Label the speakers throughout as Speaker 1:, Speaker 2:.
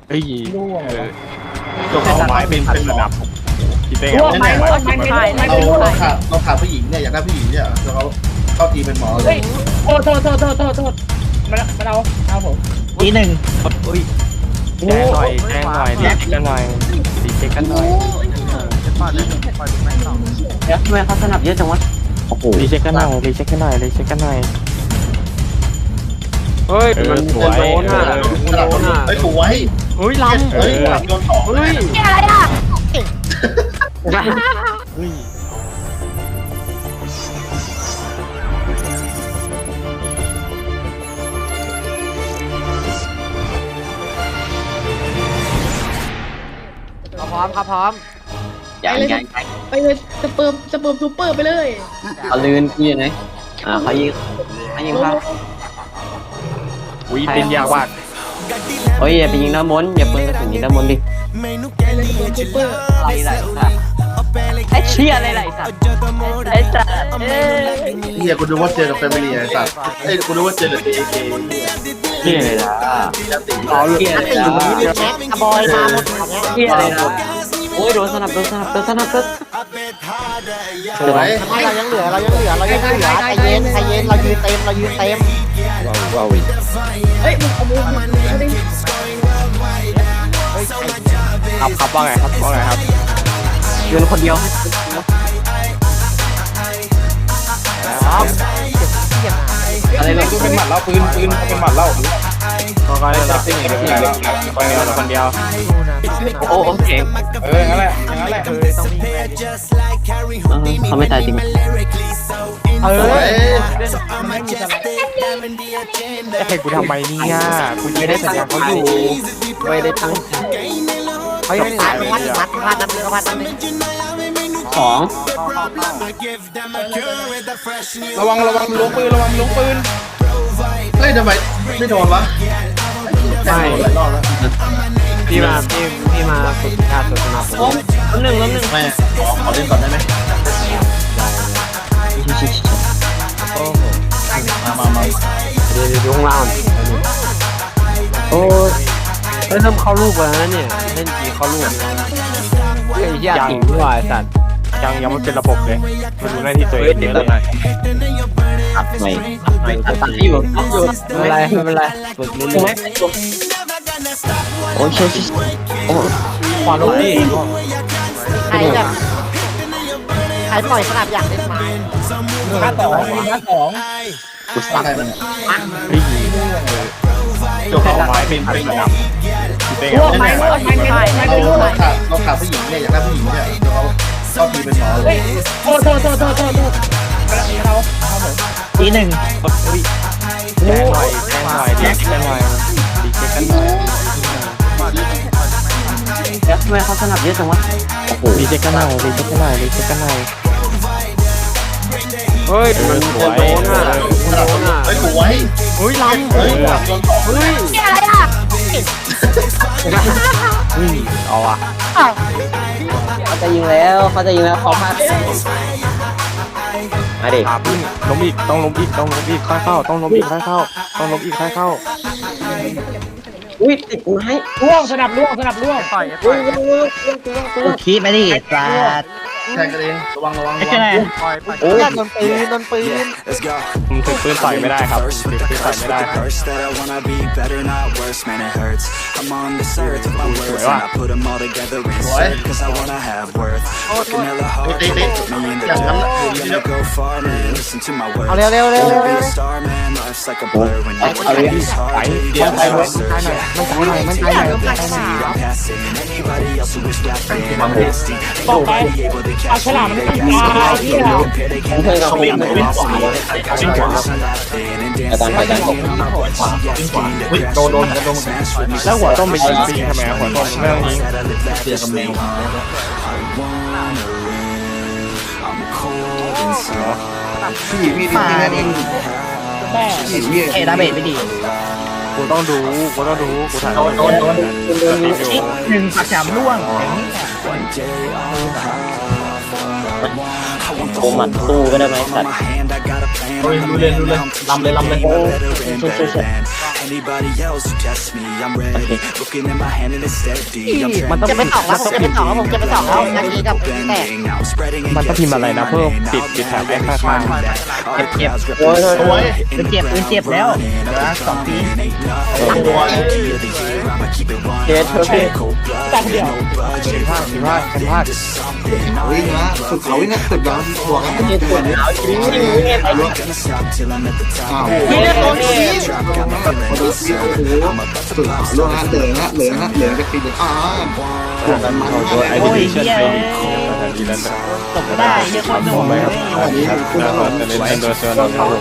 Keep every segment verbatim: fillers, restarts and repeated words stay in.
Speaker 1: เฮ้ย
Speaker 2: ร่วง
Speaker 1: เอ
Speaker 2: เหร
Speaker 1: อ
Speaker 2: อ
Speaker 3: จบเอาไม้เป็นเป็นหมอ
Speaker 1: คิดได้ไง
Speaker 2: ร่วง
Speaker 1: วะ
Speaker 2: ไหมร่วงไหมไม่ร่วงไหม
Speaker 3: เรา
Speaker 2: ไม่ร่วง
Speaker 3: เราขาดเราขาดผู้หญิงเนี่ยอยากได้ผู้หญิงเนี่ยเราเข้าทีเป็นหมอเล
Speaker 2: เฮ้
Speaker 3: ย
Speaker 2: ยโทษโทษโทษโทษโทษโทษมามาเอาเอาผม
Speaker 4: ทีหนึ่ง
Speaker 1: อุ้ยแจ้งหน่อยแจ้งหน่อยรีเช็คกันหน่อยรีเช็คกันหน่อย
Speaker 4: เดี๋ยวทำไมเขาสนับเยอะจังวะโอ้โห
Speaker 1: รีเช็คกันหน่อยรีเช็คกันหน่อยรีเช็คกันหน่อยเฮ้ยมันสวย
Speaker 3: โดนอ่ะโดนอ่ะไอ้สวย
Speaker 1: เฮ้ยลำ
Speaker 3: เฮ้ยหลับโดนสอง
Speaker 1: เฮ้ย
Speaker 5: อะไรอ่ะ
Speaker 1: เฮ้ย
Speaker 6: พร้อมครับพร้อม
Speaker 4: ยังยัง
Speaker 5: ไปเลยสเปิร์มสเปิร์มซูเปอร์ไปเลย
Speaker 4: เขาลื่นพี่อยู่ไหนอ่าเขายิงเขายิงครับ
Speaker 1: อุ้ยเป็นยากว่ะ
Speaker 4: โอ้ยอย่าไปยิงน้ำมนต์อย่าเปิดกระสุนยิงน้ำมนต์ดิ
Speaker 5: ไปเลยสเปิร์มซูเปอร์
Speaker 4: อะไรไหลสัตว์ไอ้เชี่ยอะไรไหลสัตว์ไอ้สัตว์เอ้ย
Speaker 3: เฮียกูดูว่าเจอกับแฟมิลี่ไอ้สัตว์เอ้ยกูดูว่าเจอกับเอเค
Speaker 4: เชี่ยเลยนะ
Speaker 3: เอาเลย
Speaker 4: เชี่ยเลยนะ
Speaker 6: บอยมาหมดแบบนี้
Speaker 4: เชี่ยเลยนะโอ้ยโดนสนับโดนสนับโดนสนับโดน
Speaker 3: สวย
Speaker 6: ไม่เรายังเหลือเรายังเหลือเรายังเหลือใจเย็นใจเย็นเรายืนเต็มเรายืนเต็ม
Speaker 1: ว้าว
Speaker 5: เฮ้ยมึงเอามือมาเอาดิ
Speaker 1: ครับครับว่าไงครับว่าไงครับ
Speaker 4: ยืนคนเดียว อะไรเนี่ย
Speaker 3: เป็นหมัดเล่าปืนปืนเป็นหมัดเล่า
Speaker 1: ก็ก็ได้รับสิ่งเดียวคนเดียวคนเดียว
Speaker 4: โอ้โอเค
Speaker 3: เอองั้นแหละงั้นแหละ
Speaker 4: เขาไม่ตายจริง
Speaker 6: เอ
Speaker 3: ส
Speaker 6: อ
Speaker 3: วย
Speaker 1: เฮ้ยกูทำไมเนี่ยกูยังไม่ได้สัญญาเขาอยู่ไม่ได้ตั้ง
Speaker 6: เขายังตายมัดมัดมัดนั่นนึงมัดนั่นนึง
Speaker 4: สอง
Speaker 3: ระวังระวังล้วงปืนระวังล้วงปืนเฮ้ยทำไมไม่โดนวะไม่หลายรอบแล้ว
Speaker 1: พี่มาพี่พี่มาฝึกการฝึกสนับสนุน
Speaker 4: ล้มหนึ่งล้มหนึ่ง
Speaker 3: ไม่ขอขอเล่นก่อนได้ไหมมามามา
Speaker 1: เดี๋ยวอยู่ข้างล่าง
Speaker 4: โอ้
Speaker 1: เฮ้ยเริ่มเข้ารูปแล้วนะเนี่ยเล่นกี่เข้ารูปไอ้ยาถึงว่าสัตว์ยังยังไม่เป็นระบบเลยมาดูหน้าที่ตัวเองเดี๋ยวเลย
Speaker 4: ตัดใหม่ตัดใหม่ตัดอยู่ตัดอยู่
Speaker 1: ไม่เป็นไรไม่เป็นไรฝึกเรื่อย
Speaker 4: โอ้ยเชี่ยโอ้
Speaker 1: ๆความรู้ดิ
Speaker 6: ใครแบบใครปล่อยสนับอย่างเล่นไม้
Speaker 2: ห้าสองห้าสอง
Speaker 4: กูสับ
Speaker 3: ใช่ไหม
Speaker 1: เฮ้ย
Speaker 3: จบเอาไม้เป็นเป็นระดับ
Speaker 2: ร่วงไหมร่วงไหมไม่ร่วงไหม
Speaker 3: เรา
Speaker 2: ไม่ร่วงไหม
Speaker 3: ขาดเราขาดผู้หญิงเนี่ยอยากได้ผู้หญิงเนี่ยเราเข้าทีเป็นหมอเล
Speaker 2: เฮ้
Speaker 3: ย
Speaker 2: ยโทษโทษโทษโทษโทษโทษมาเอาเอาผม
Speaker 4: ทีหนึ่ง
Speaker 1: แจ้งหน่อยแจ้งหน่อยดีเช็คกันหน่อยดีเช็คกันหน่อย
Speaker 4: เดี๋ยวทำไมเขาสนับเยอะจังวะโอ้โห
Speaker 1: ดีเช็คกันหน่อยดีเช็คกันหน่อยดีเช็คกันหน่อยเฮ้ยมันสวย
Speaker 3: โดนอ่ะโดนอ่ะไอ้สวย
Speaker 1: เฮ้ยลำ
Speaker 3: เฮ้ยหลับโดนสอง
Speaker 1: เฮ้ย
Speaker 5: อะไรอ่ะ
Speaker 1: เฮ้ยเอาอ่ะ
Speaker 4: เขาจะยิงแล้วเขาจะยิงแล้วเขาพลาดมาดิ
Speaker 1: อ่ะพึ่งล้มอีกต้องล้มอีกต้องล้มอีกค่อยเข้าต้องล้มอีกค่อยเข้าต้องล้มอีกค่อยเข้า
Speaker 4: อุ้ยติดไม้
Speaker 2: ร่วงสนับร่วงสนับร่วง
Speaker 4: โอ้คิดไม่ดิปลา
Speaker 3: แทงกันเองระวังระวังระ
Speaker 4: ไม่
Speaker 3: วั
Speaker 4: ใช่
Speaker 3: ง
Speaker 4: ไง
Speaker 6: โอ้ยโดนปืนโดนปืน
Speaker 1: ผมถือปืนต่อยไม่ได้ครับถือปืนต่อยไม่ได้ครับ
Speaker 7: that I wanna be better, not worse, man, it hurts. I'm on this earth with my words, and I put them all together insert, cause I wanna have worth. Working hella hard, put me in the dirt. Gonna go far, man, listen to my words.
Speaker 6: เอาเร็วเร็วเร็ว
Speaker 7: Wanna be a star, man, life's like a blur when you're working these hard. You get no research, yeah. I'm passing anybody else who is rapping. I'm nasty. They won't be able to catch me. They got so low, compare, they can't match me. I'm lost me. I got some girls laughing and dancing. I'm not watching, asking to crash and smash with me.
Speaker 1: แล้วหัวต้มไปยิงฟรีทำไมหัวต้มไม่ต้องยิง
Speaker 7: That I live lavishly, huh? I wanna live. I'm cold inside.
Speaker 4: มาดิ
Speaker 2: แม่
Speaker 4: เอดาเบดไม่ดี
Speaker 1: กูต้องดูกูต้องดูกูถ่าย
Speaker 4: โดนโดนโดน
Speaker 1: โดนอยู่
Speaker 4: หนึ่งปักฉามร่วงอย่างนี้
Speaker 7: One day I'll have what I want. I want the
Speaker 4: โอ้
Speaker 7: whole
Speaker 4: หมัดสู้
Speaker 7: world
Speaker 4: ก็ได้ไหม
Speaker 7: on
Speaker 4: สัตว์
Speaker 7: my hand. I got a plan.
Speaker 3: เฮ้ยรู้เลยรู้เลยลำเลยลำเลย
Speaker 7: Better and better than Anybody else who tests me, I'm ready. Looking at my hand and it's steady. I'm
Speaker 6: มันต้อง
Speaker 7: trending.
Speaker 6: เก็บไปสองแล้วผมเก็บไปสองแล้วผมเก็บไปสองแล้วนาทีกับแตก
Speaker 7: Bending, now I'm spreading and
Speaker 1: มันต้องพิมพ์อะไรนะเพิ่มปิดปิดแถบไว้ข้าง
Speaker 7: เก็บเก็บโอ้ยโอ้ยเจ็บปืนเจ็บแล้วเหลือสองปี
Speaker 1: เกตเธอพี่
Speaker 2: ตัดเดียว
Speaker 1: สิบห้าสิบห้าสิบห้า
Speaker 3: วิ่งนะสุดเขาวิ่งนะสุดยอดบวกกันสุดยอดอ้าว
Speaker 6: เฮียโดนที
Speaker 3: สุดเขาล่วงนะเหลืองนะเหลืองนะเหลืองจะตีเลยอ้าว
Speaker 1: ไอ้ดิชั่นเป็นดีแล้วนะ
Speaker 4: ตกได้เยอะคนหนุ่ม
Speaker 1: ไปครับแล้วก็จะเล่นเป็นตัวเสือเราครับ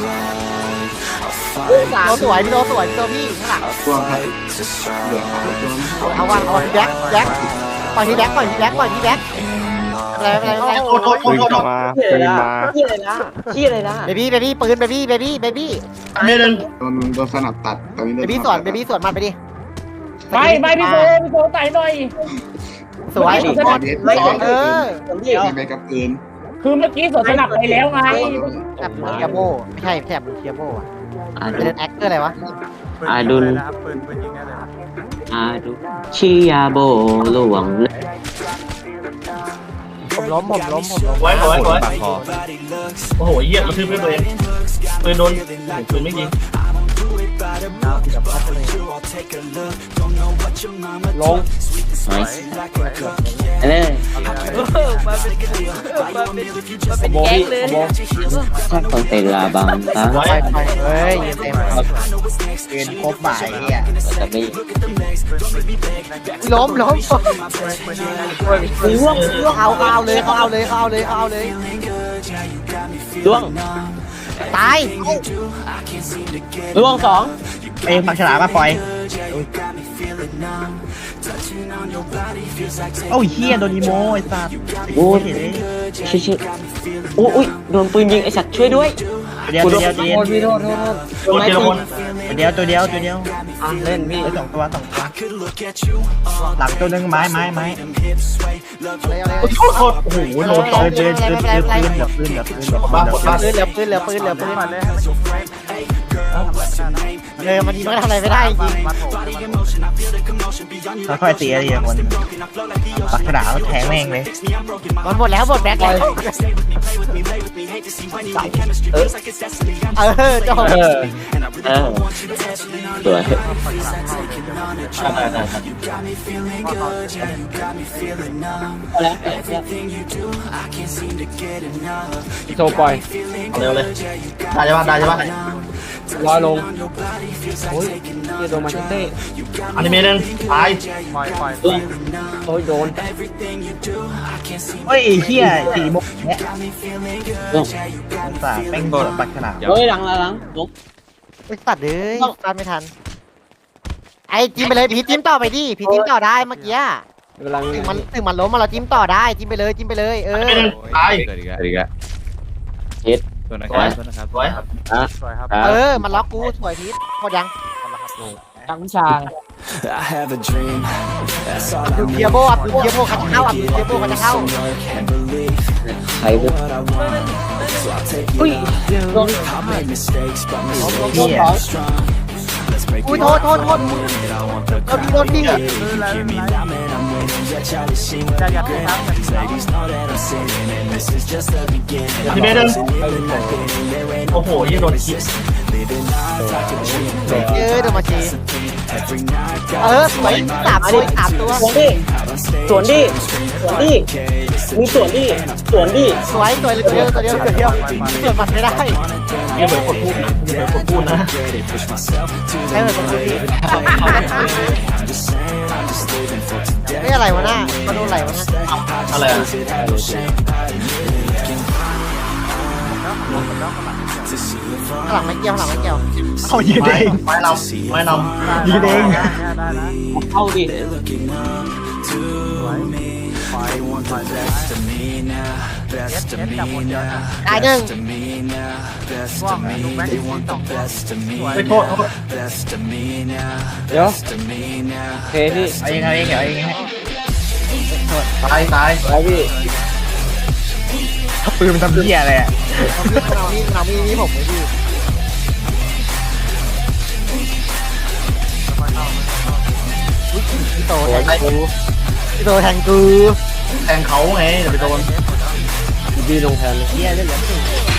Speaker 6: เราสวยพี่โดสวยพี่โดพี่ข้างหลัง
Speaker 3: ตัวครับเหลือง
Speaker 6: เอาวันเอาแบ็คแบ็คปล่อยที่แบ็คปล่อยที่แบ็คปล่อยที่แบ็คอะไรอะไรอะไร
Speaker 1: ปืนกลับมาปืนมา
Speaker 4: ที่อะไรนะที่อะไรนะ
Speaker 6: เบบี้เบบี้ปืนเบบี้เบบี้เบบี้
Speaker 3: เมดันโดนโดนสนับตัดตอนนี้
Speaker 6: เบบี้สวนเบบี้สวนมันไปดิ
Speaker 2: ไม่ไม่พี่โบพี่โบไต่หน่อย
Speaker 6: สวย
Speaker 3: ไม่สอง
Speaker 6: เออ
Speaker 3: ไปกับปืน
Speaker 2: คือเมื่อกี้สวนสนับไปแล้วไง
Speaker 6: แถบเทียโบไม่ใช่แถบเทียโบอ่ะเป็นแอคเกอร์อะไรวะ
Speaker 8: อาดุลอาดุชิยาโบหลวง
Speaker 6: ผมล้มผมล้มผมล้ม
Speaker 2: ไว้ไว้ไว้
Speaker 1: ปากคอ
Speaker 2: โอ้โหเยี่ยมกระทืบด้วยตัวเองปืนโดนปืนไม่ยิง
Speaker 1: ลง
Speaker 8: ไนส์เอ้ย
Speaker 1: โบพี่โบ
Speaker 8: ถ้าคนเตลาบังตา
Speaker 6: ไปไปเฮ้ยยืนเต็มยืนครบบ่ายเนี่ย
Speaker 8: แต่ไม่
Speaker 6: ล้มล้มล่วงล่วงเอาเอาเลยเขาเอาเลยเขาเอาเลยเขาเอาเลย
Speaker 8: ล่วง
Speaker 6: ตาย
Speaker 8: ล่วงสอง
Speaker 4: เอ้ยปักฉลามมาปล่อยโอ้ยเฮียโดนอีโมไอ้สัตว์
Speaker 8: โอ้ยชิชิโอ้ยโดนปืนยิงไอสัตว์ช่วยด้วย
Speaker 4: เดียวตัวเดียวตัวเดียว
Speaker 1: พี่โทษโทษโทษ
Speaker 2: โดนเจรพล
Speaker 4: ตัวเดียวตัวเดียวตัวเดียว
Speaker 1: เล่นพี่
Speaker 4: ไอ้สองตัวสองตัวหลังตัวนึงไม้ไม้ไม้
Speaker 6: อะไรอะไร
Speaker 2: โทษโทษโอ้โหโดนสอง
Speaker 4: ปืนปืนปืนปืนเหลือปืนเหลือปืนเหลือปืน
Speaker 2: บ้าหมดบ้า
Speaker 6: ปืนเหลือปืนเหลือปืนเหลือปืนเออมันยิงไม่ทำอะไรไม่ได้จริง
Speaker 4: ค่อยๆตีอะไรอย่างคนปักฉลามแทงแม่งเลย
Speaker 6: มันหมดแล้วหมดแบ็คแล้วเออจบ
Speaker 1: เออ
Speaker 8: เออสวย
Speaker 1: โชว์ปล่อย
Speaker 2: เร็วเลยได้ใช่ปะได้ใช่ปะ
Speaker 1: ลอยลงโอ้ยเฮียโดนมาเต้
Speaker 2: อันนี้เมนึงตาย
Speaker 1: โอ้ยโดน
Speaker 4: เฮ้ยเฮียสี่โมงเนี่ย
Speaker 8: ล่วง
Speaker 4: สาแม่งโดนปักฉลาม
Speaker 8: เฮ้ยหลังหลังหลังลุก
Speaker 6: ไอ้สัตว์เลยตามไม่ทันไอ้จิ้มไปเลยพี่จิ้มต่อไปดิพี่จิ้มต่อได้เมื่อกี้
Speaker 1: กำลัง
Speaker 6: ถึงมันถึงมันล้มมาเราจิ้มต่อได้จิ้มไปเลยจิ้มไปเลยเออ
Speaker 2: เมนึงตาย
Speaker 1: เกิดอีกแล้วอีกแล้ว
Speaker 2: สวยสวย
Speaker 6: เออมันล็อกกูสวยพีทหมดยัง
Speaker 1: ตั้งชาง
Speaker 7: I have a dream. That's all
Speaker 6: ดู
Speaker 7: I
Speaker 6: เทียโบอับดูเทียโบเขาจะเข้าอับดูเทียโบเขาจะเข้า
Speaker 7: can believe.
Speaker 8: ใครบุก
Speaker 7: What I want, so I'll take it on. I've made mistakes, but mistakes
Speaker 4: Yeah.
Speaker 7: are strong. Let's break
Speaker 6: อุ้ย
Speaker 7: it
Speaker 6: โท
Speaker 7: all
Speaker 6: ษโทษโทษ
Speaker 7: I want the
Speaker 6: โดนโดนยิงอ่ะ
Speaker 7: If you hear me now, man, I'm winning. Yeah, Charlie Sheen with the grin. These ladies know that I'm sinning, and this is just the beginning. I'm always feeling like winning. There ain't
Speaker 2: โอ้โหยี่โดนคิด
Speaker 7: living life like a dream.
Speaker 6: เออเดี๋ยวมาชี
Speaker 7: Every night,
Speaker 6: เออสวยสามตัวสามตัว
Speaker 8: สวนดิสวนดิสวนดิมึงสวนดิสวนดิ
Speaker 6: สวยสวยเลยตัวเดียวตัวเดียวตัวเดียวเกิดมันไม่ได้
Speaker 2: ยี่เหมือนกดพูดนะยี่เหมือนกดพูดนะ
Speaker 7: push myself to
Speaker 6: ให้เหมือนคนดี
Speaker 7: I'm just saying, I'm just living for today.
Speaker 6: ไม่อะไรวะหน้าเขาโดนอะไรวะหน้า
Speaker 2: อะไรอ่ะ
Speaker 6: ข้างหลังไม่เกี่ยวข้างหลังไม่เกี่ยว
Speaker 4: เขายืนเอง
Speaker 2: ไม้ลำไม้ลำ
Speaker 4: ยืนเอง
Speaker 8: เข้าดิ
Speaker 7: They want the best of me now, best of me now,
Speaker 6: ตายหนึ่ง
Speaker 7: best of me now, best of me. They want the best of me
Speaker 2: ไม่โทษ
Speaker 7: now, best of me now,
Speaker 1: เดี๋ยว
Speaker 7: best of me now.
Speaker 1: เทพี่
Speaker 4: เอาเองเอาเองเอาเองให้
Speaker 2: ตายตาย
Speaker 1: ไปพี่
Speaker 4: ปืนมันทำเหี้ยอะไรอ่ะ
Speaker 6: เอามีดเอามีดนี่ผมไม่ดีตแทงกูพี่โตแทงกู
Speaker 2: แทงเขาไงอย่าไปโดน
Speaker 1: บีลงแทนเลย
Speaker 6: เฮียเล่นเหลือสี่